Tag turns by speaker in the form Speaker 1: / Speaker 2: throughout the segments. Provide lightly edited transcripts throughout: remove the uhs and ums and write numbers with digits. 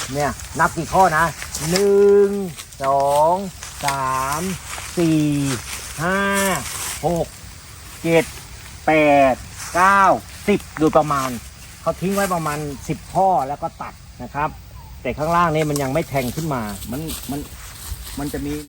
Speaker 1: เนี่ยนับกี่ข้อนะ1 2 3 4 5 6 7 8 9 10โดยประมาณเขาทิ้งไว้ประมาณ10ข้อแล้วก็ตัดนะครับแต่ข้างล่างนี่มันยังไม่แทงขึ้นมามันจะมี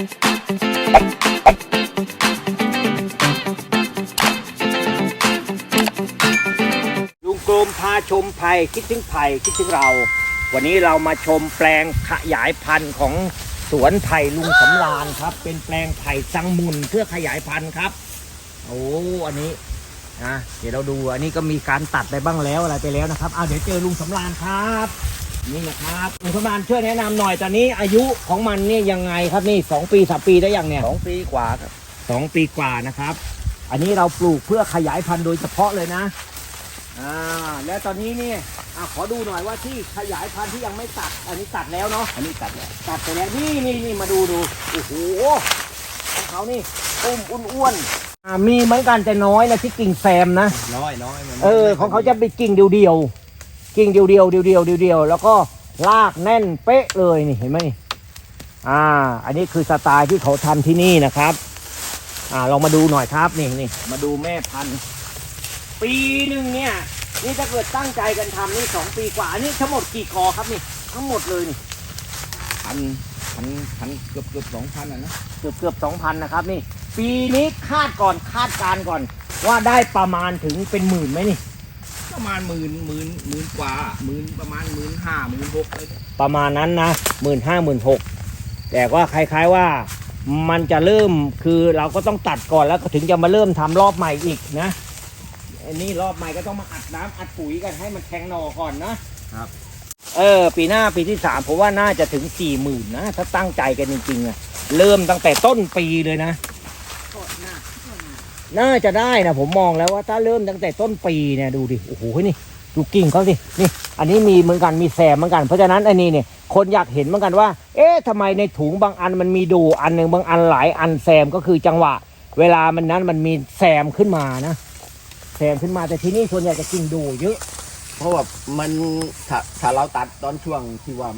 Speaker 1: ลุงกรมพาชมไผ่คิดถึงไผ่คิดถึงเราวันนี้เรามาชมแปลงขยายพันธุ์ของสวนไผ่ลุงสำราญครับเป็นแปลงไผ่สังมุนเพื่อขยายพันธุ์ครับโอ้อันนี้นะเดี๋ยวเราดูอันนี้ก็มีการตัดไปบ้างแล้วอะไรไปแล้วนะครับเดี๋ยวเจอลุงสำราญครับนี่นะครับลุงสำราญช่วยแนะนำหน่อยตอนนี้อายุของมันเนี่ยยังไงครับนี่2 ปี 3 ปีได้ยังเนี่ย
Speaker 2: 2 ปีกว่าครับ
Speaker 1: 2 ปีกว่านะครับอันนี้เราปลูกเพื่อขยายพันธุ์โดยเฉพาะเลยนะแล้วตอนนี้เนี่ยขอดูหน่อยว่าที่ขยายพันธุ์ที่ยังไม่ตัดอันนี้ตัดแล้วเนาะ
Speaker 2: อันนี้ตัดแล้ว
Speaker 1: ไปแล้วนี่มาดูโอ้โหของเขานี่อ้วนมีเหมือนกันแต่น้อยนะที่กิ่งแซมนะ
Speaker 2: น้อย
Speaker 1: ของเขาจะเป็นกิ่งเดียวกิ่งเดียวแล้วก็รากแน่นเป๊ะเลยนี่เห็นไหมนี่อันนี้คือสไตล์ที่เขาทำที่นี่นะครับลองมาดูหน่อยครับนี่มาดูแม่พันธุ์ปีหนึ่งเนี่ยนี่ถ้าเกิดตั้งใจกันทำนี่2 ปีกว่านี่ทั้งหมดกี่กอครับนี่ทั้งหมดเลยนี่
Speaker 2: พันเกือบ 2,000นะ
Speaker 1: เกือบ 2,000นะครับนี่ปีนี้คาดการก่อนว่าได้ประมาณถึงเป็นหมื่นไหมนี่
Speaker 2: ประมาณหมื่นกว่าประมาณ15,000 16,000เลย
Speaker 1: ประมาณนั้นนะ15,000 16,000แต่ว่าคล้ายๆว่ามันจะเริ่มคือเราก็ต้องตัดก่อนแล้วถึงจะมาเริ่มทำรอบใหม่อีกนะอันนี้รอบใหม่ก็ต้องมาอัดน้ำอัดปุ๋ยกันให้มันแทงหน่อก่อนนะครับปีหน้าปีที่3ผมว่าน่าจะถึง40,000นะถ้าตั้งใจกันจริงๆเริ่มตั้งแต่ต้นปีเลยนะน่าจะได้นะผมมองแล้วว่าถ้าเริ่มตั้งแต่ต้นปีเนี่ยดูดิโอ้โหนี่ดูกิ่งเขาสินี่อันนี้มีเหมือนกันมีแซมเหมือนกันเพราะฉะนั้นอันนี้เนี่ยคนอยากเห็นเหมือนกันว่าทำไมในถุงบางอันมันมีดูอันหนึ่งบางอันหลายอันแซมก็คือจังหวะเวลามันมีแซมขึ้นมานะแซมขึ้นมาแต่ที่นี่ส่วนใหญ่จะกิ่งดูเยอะ
Speaker 2: เพราะว่ามันถ้าเราตัดตอนช่วงที่ว่า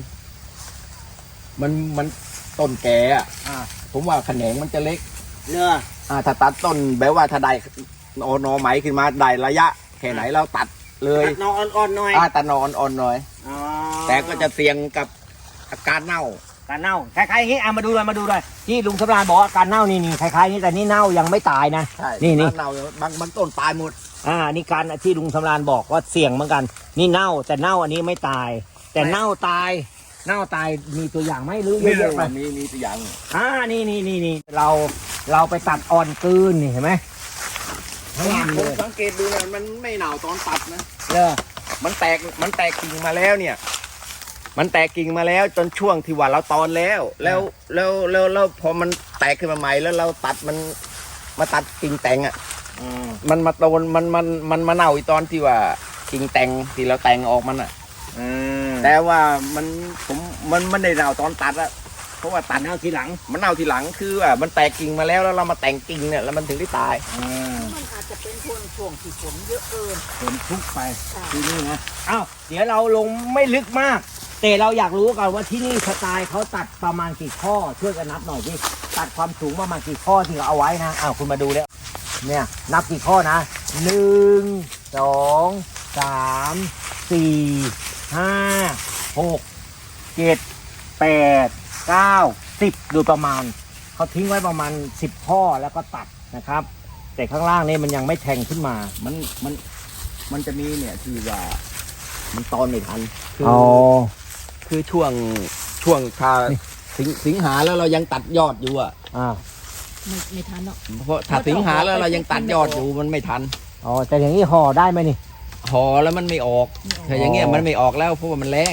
Speaker 2: มันต้นแก่ผมว่าแขนงมันจะเล็กถ้าตัดต้นแบบว่าถ้าได้หน่อไหมขึ้นมาได้ระยะแค่ไหนเราตัดเลย
Speaker 1: ตัดหน่ออ่อนๆหน่อย
Speaker 2: ตัดหน่ออ่อนๆหน่อยแต่ก็จะเสี่ยงกับอาการเน่า
Speaker 1: คล้ายๆอย่างนี้มาดูเลยที่ลุงสำราญบอกว่าการเน่านี่คล้ายๆนี้แต่นี่เน่ายังไม่ตายนะนี่
Speaker 2: เน่าบางต้นตายหมด
Speaker 1: นี่การที่ลุงสำราญบอกว่าเสี่ยงเหมือนกันนี่เน่าแต่เน่าอันนี้ไม่ตายแต่เน่าตายมีตัวอย่างไหมหรือเยอะๆไป
Speaker 2: มีตัวอย่าง
Speaker 1: นี่เราไปตัดอ่อนกืนนี่เห็นไหม
Speaker 2: ผมสังเกตดูเนี่ยมันไม่เน่าตอนตัดนะมันแตกกิ่งมาแล้วเนี่ยมันแตกกิ่งมาแล้วจนช่วงที่ว่าเราตอนแล้วพอมันแตกขึ้นมาใหม่แล้วเราตัดมันมาตัดกิ่งแต่งมันมาโตนมันมาเน่าอีตอนที่ว่ากิ่งแต่งที่เราแต่งออกมันแต่ว่ามันได้เน่าตอนตัดอะเพราะว่าตัดเน่าทีหลังมันเน่าทีหลังคือว่ามันแตกกิ่งมาแล้วเรามาแต่งกิ่งเนี่ยแล้วมันถึงได้ตาย
Speaker 3: มันอาจจะเป็นช่วงที่ฝนเยอะ
Speaker 1: ฝนทุกไปที่นี่นะเดี๋ยวเราลงไม่ลึกมากแต่เราอยากรู้กันว่าที่นี่สไตล์เขาตัดประมาณกี่ข้อช่วยกันนับหน่อยพี่ตัดความสูงประมาณกี่ข้อที่เราเอาไว้นะคุณมาดูแล้วเนี่ยนับกี่ข้อนะ1 2 3 4 5 6 7 8 9 10โดยประมาณเขาทิ้งไว้ประมาณ10ข้อแล้วก็ตัดนะครับแต่ข้างล่างนี่มันยังไม่แทงขึ้นมา
Speaker 2: มันจะมีเนี่ยที่ว่ามันตอนไม่ทันคือช่วงถ้าสิงหาแล้วเรายังตัดยอดอยู่
Speaker 3: ไม่ทันเนาะ
Speaker 2: เพราะถ้าสิงหาแล้วเรายังตัดยอดอยู่มันไม่ทัน
Speaker 1: แต่อย่างนี้ห่อได้ไหมนี่
Speaker 2: ห่อแล้วมันไม่ออกแต่อย่างเงี้ยมันไม่ออกแล้วเพราะว่ามันแรง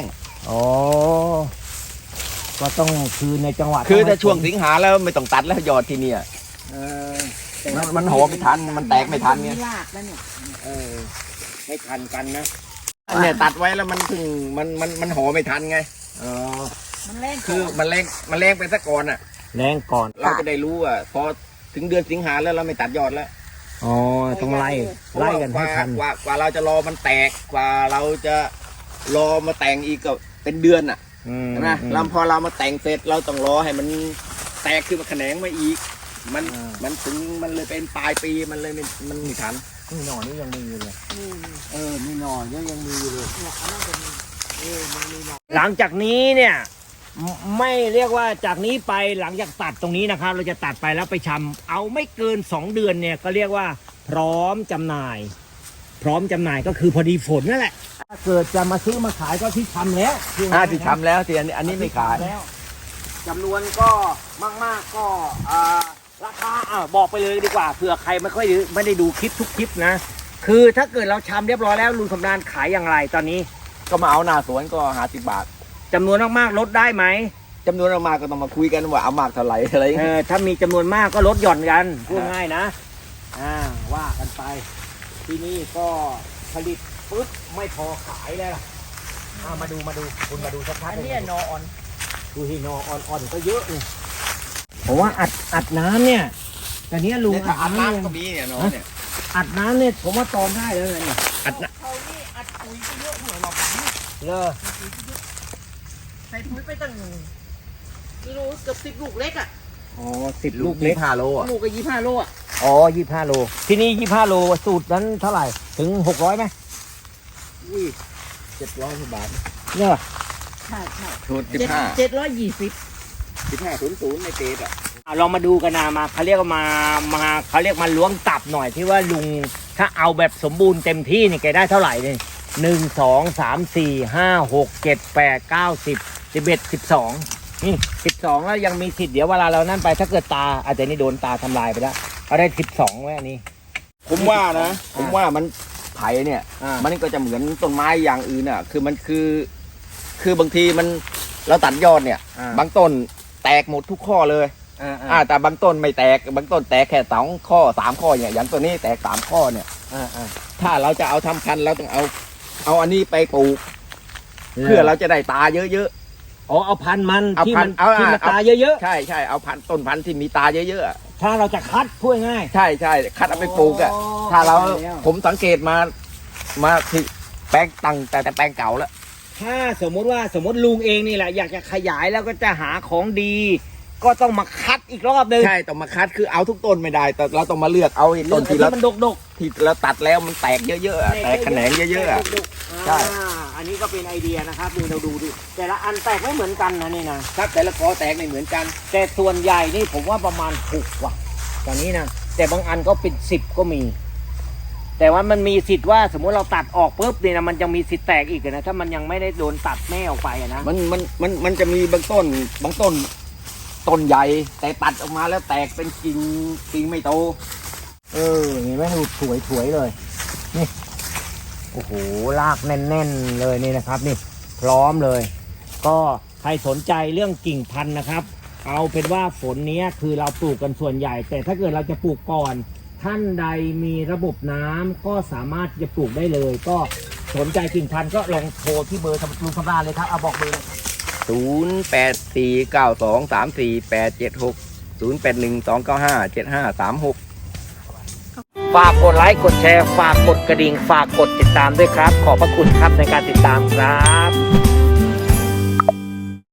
Speaker 1: ก็ต้องคือในจังหวะ
Speaker 2: คือถ้าช่วงสิงหาแล้วไม่ต้องตัดแล้วยอดที่นี่มันห่อไม่ทันมันแตกไม่ทันเนี่ย
Speaker 1: ไม่ทันกันนะ
Speaker 2: เนี่ยตัดไว้แล้วมันถึงมันห่อไม่ทันไง
Speaker 3: มันแรง
Speaker 2: คือมันแรงไปซะก่อน
Speaker 1: แรงก่อน
Speaker 2: เราจะได้รู้พอถึงเดือนสิงหาแล้วเราไม่ตัดยอดแล้ว
Speaker 1: ต้องไล่กันให้ทัน
Speaker 2: กว่าเราจะรอมันแตกกว่าเราจะรอมาแต่งอีกก็เป็นเดือนอ่ะ
Speaker 1: อืม
Speaker 2: ใช่ไหมแล้วพอเรามาแต่งเสร็จเราต้องรอให้มันแตกขึ้นมาแขนงมาอีก มันถึงมันเลยเป็นปลายปีมันเลยมันไม่ทัน
Speaker 1: นี่หน่อนี่ยังมีอยู่เลย
Speaker 3: นี่
Speaker 1: นี่หน่อยังมีอยู่เลย
Speaker 3: เนี่ยอันนั้นจะมีมันมีหน่อ
Speaker 1: หลังจากนี้เนี่ยไม่เรียกว่าจากนี้ไปหลังจากตัดตรงนี้นะครับ เราจะตัดไปแล้วไปชำเอาไม่เกิน 2 เดือนเนี่ยก็เรียกว่าพร้อมจำหน่าย พร้อมจำหน่ายก็คือพอดีฝนนั่นแหละถ้าเกิดจะมาซื้อมาขายก็ที่ชำแล้ว
Speaker 2: ที่ทำแล้วที่อันนี้ไม่ขาย
Speaker 1: แล้วจำนวนก็มากๆก็ราคาบอกไปเลยดีกว่าเผื่อใครไม่ได้ดูคลิปทุกคลิปนะ คือถ้าเกิดเราชำเรียบร้อยแล้วลุงสำราญขายอย่างไรตอนนี้
Speaker 2: ก็มาเอาหน้าสวนก็50 บาท
Speaker 1: จำนวนมากๆลดได้ไหม
Speaker 2: จำนวนมากก็ต้องมาคุยกันว่าเอามากเท่าไหร่อะไรอย่างเงี้ย
Speaker 1: ถ้ามีจำนวนมากก็ลดหย่อนกันพูดง่ายนะว่ากันไป ที่นี่ก็ผลิตปุ๊บไม่พอขายแล้วล่ะมาดูคุณมาดูสักพัก
Speaker 3: อันนี้หนออ่อน
Speaker 1: ดูที่นออ่อนๆก็เยอะเลยผมว่าอัดน้ำเนี่ยแต่เนี้ยลุง
Speaker 2: เนี่ยถ้าอัด
Speaker 1: เนี่ย
Speaker 2: น้ำก็มีเนี่ยเนาะเนี่ย
Speaker 1: อัดน้ำเนี่ยผมว่าตอนได้แล้วเนี่ยอัดน้
Speaker 3: เขานี่อัดปุ๋ยไปเยอะหัวเราแบบนี้
Speaker 1: ำเลย
Speaker 3: ใส่ปุ๋ยไปตั้งกิโลเกือบ10 ลูกเล็กอ่ะ
Speaker 1: อ๋อ10 ลูก
Speaker 2: เล็
Speaker 1: เล็
Speaker 2: ก
Speaker 1: ก
Speaker 2: 5 โลอ่ะ
Speaker 3: ลูกก็25 โลอ่ะ
Speaker 1: อ๋อ25 โลที่นี่25 โลสูตรนั้นเท่าไหร่ถึง600ไหม
Speaker 3: อุ้ย
Speaker 2: 700 กว่าบาท
Speaker 1: เนี่ย
Speaker 3: ใช่
Speaker 2: สูตร 15 ในเตดอ่ะ
Speaker 1: ลองมาดูกันนะมาเขาเรียกว่ามาเขาเรียกมาล้วงตับหน่อยที่ว่าลุงถ้าเอาแบบสมบูรณ์เต็มที่นี่แกได้เท่าไหร่เนี่ย1 2 3 4 5 6 7 8 9 10 11 12นี่12แล้วยังมีสิทธิ์เดี๋ยวเวลาเรานั่นไปถ้าเกิดตาอาจจะนี่โดนตาทำลายไปแล้วเอาได้12ไว้อันนี้
Speaker 2: ผมว่ามันไผ่เนี่ย มันก็จะเหมือนต้นไม้อย่างอื่นอ่ะ คือบางทีมันเราตัดยอดเนี่ย บางต้นแตกหมดทุกข้อเลย แต่บางต้นไม่แตก บางต้นแตกแค่2 ข้อ 3 ข้อเนี่ยอย่างตัวนี้แตก3 ข้อเนี่ยถ้าเราจะเอาทำพันธุ์เราต้องเอาอันนี้ไปปลูก เพื่อเราจะได้ตาเยอะ
Speaker 1: อ๋อเอาพันธุ์มัน
Speaker 2: เอา
Speaker 1: ที่
Speaker 2: พั
Speaker 1: มัน น
Speaker 2: ธุ์เอา
Speaker 1: ที่มัน
Speaker 2: เอา
Speaker 1: ตาเยอะ
Speaker 2: ๆ ใช่เอาต้นพันธุ์ที่มีตาเยอะๆอะ
Speaker 1: ๆถ้าเราจะคัดพูดง่าย
Speaker 2: ใช่คัดเอาไปปลูกอ่ะ
Speaker 1: อ๋อ
Speaker 2: ถ้าเรา
Speaker 1: เข้าใจแล้ว
Speaker 2: ผมสังเกตมาที่แปลงตั้งแต่แปลงเก่าแล้ว
Speaker 1: ถ้าสมมติลุงเองนี่แหละอยากจะขยายแล้วก็จะหาของดี ก็ต้องมาคัดอีกรอบนึง
Speaker 2: ใช่ต้องมาคัดคือเอาทุกต้นไม่ได้ แต่เราต้องมาเลือกเอาไอ้ต้นที่
Speaker 1: เลื
Speaker 2: เรา
Speaker 1: อกไอ้ที่มันดก
Speaker 2: ที่เราตัดแล้วมันแตกเยอะๆอะแตกแขนงเยอะๆอะ ใช่
Speaker 1: อันนี้ก็เป็นไอเดียนะครับนี่เราดูดิแต่ละอันแตกไม่เหมือนกันนะนี่นะครับ
Speaker 2: แต่ละกอแตกไม่เหมือนกัน
Speaker 1: แต่ส่วนใหญ่นี่ผมว่าประมาณ6ว่ะตอนนี้นะแต่บางอันก็เป็น10ก็มี แต่ว่ามันมีสิทธิ์ว่าสมมติเราตัดออกปุ๊บเนี่ยนะมันยังมีสิทธิ์แตกอีกอะนะถ้ามันยังไม่ได้โดนตัดแม่ออกไปอะนะ
Speaker 2: มันจะมีบางต้นต้นใหญ่แต่ตัดออกมาแล้วแตกเป็นกิ่งไม่โต
Speaker 1: เห็นไหมดูสวยเลยนี่โอ้โหรากแน่นๆเลยนี่นะครับนี่พร้อมเลย ก็ใครสนใจเรื่องกิ่งพันธุ์นะครับ เอาเป็นว่าฝนนี้คือเราปลูกกันส่วนใหญ่ แต่ถ้าเกิดเราจะปลูกก่อนท่านใดมีระบบน้ำก็สามารถจะปลูกได้เลย ก็สนใจกิ่งพันธุ์ก็ลองโทรที่เบอร์ลุงสำราญเลยครับเอาบอกเบอร์เลยครับ
Speaker 2: 0849234876 0812957536
Speaker 1: ฝากกดไลค์กดแชร์ฝากกดกระดิ่งฝากกดติดตามด้วยครับ ขอบพระคุณครับในการติดตามครับ